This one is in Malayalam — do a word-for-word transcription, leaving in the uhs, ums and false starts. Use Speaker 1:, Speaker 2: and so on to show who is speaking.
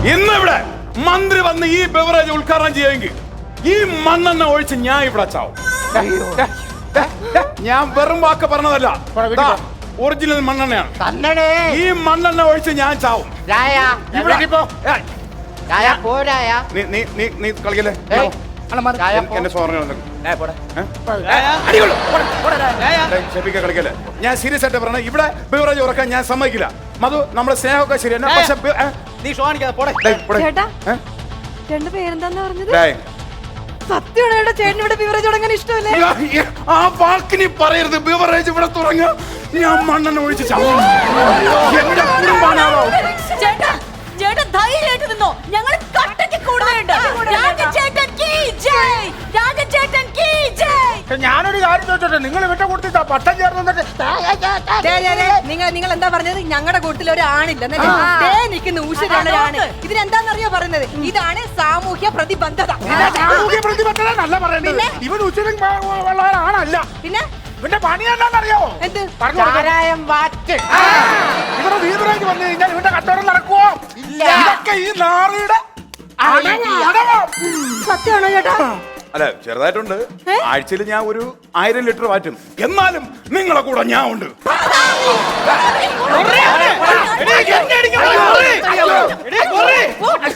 Speaker 1: ഇന്ന് ഇവിടെ മന്ത്രി വന്ന് ഈ ബെവറേജ് ഉദ്ഘാടനം ചെയ്യുമെങ്കിൽ ഈ മണ്ണെണ്ണ ഒഴിച്ച് ഞാൻ ഇവിടെ ചാവും. ഞാൻ വെറും വാക്ക് പറഞ്ഞതല്ല, ഒറിജിനൽ മണ്ണെണ്ണയാണ്. ഈ മണ്ണെണ്ണ ഒഴിച്ച് ഞാൻ ചാവും. നീ കളിക്കല്ലേ? എന്റെ സോറിനെ കളിക്കല്ലേ? ഞാൻ സീരിയസ് ആയിട്ട് പറഞ്ഞ ഇവിടെ ബിവറേജ് ഉറക്കാൻ ഞാൻ സമ്മതിക്കില്ല. മധു, നമ്മുടെ സ്നേഹമൊക്കെ ശരി. ആ വാക്കിനി പറയരുത്. ബിവറേജ് ഇവിടെ തുടങ്ങ ഞാൻ മണ്ണെണ്ണ ഒഴിച്ച് ചാവും. എന്റെ കുടുംബാണോ?
Speaker 2: ചേട്ടൻ ധൈര്യമായിട്ട് നിന്നോ, ഞങ്ങൾ കട്ടയ്ക്ക് കൂടുതലുണ്ട്. രാജചേട്ടൻ കീ ജയ്, രാജചേട്ടൻ കീ ജയ്.
Speaker 3: ഞാനൊരു കാര്യം ചോദിച്ചോട്ടെ, നിങ്ങൾ വിട്ട കൊടുത്തിട്ടാ പട്ടം ചേർന്ന്
Speaker 2: നിങ്ങൾ നിങ്ങൾ എന്താ പറഞ്ഞത്? ഞങ്ങളുടെ കൂട്ടത്തിൽ ഒരു ആണില്ല നിൽക്കുന്ന ഊഷരാണ്. ഇതിനെന്താന്നറിയോ പറയുന്നത്? ഇതാണ് സാമൂഹ്യ പ്രതിബദ്ധത.
Speaker 3: സാമൂഹ്യ പ്രതിബദ്ധത നല്ല പറയുന്നത്. ഇവൻ ഉച്ചരും ആണല്ല.
Speaker 2: പിന്നെ
Speaker 3: ഇവന്റെ പണി എന്താണെന്നറിയോ?
Speaker 2: എന്ത്?
Speaker 3: ഇവിടെ വീട്ടിലേക്ക് വന്നു കഴിഞ്ഞാൽ ഇവന്റെ കച്ചവടം നടക്കുവോ? ഇതൊക്കെ ഈ നാറിയുടെ
Speaker 2: സത്യമാണോ ചേട്ടാ?
Speaker 1: അല്ല, ചെറുതായിട്ടുണ്ട്. ആഴ്ചയിൽ ഞാൻ ഒരു ആയിരം ലിറ്റർ വാറ്റും. എന്നാലും നിങ്ങളെ കൂടെ ഞാൻ ഉണ്ട്.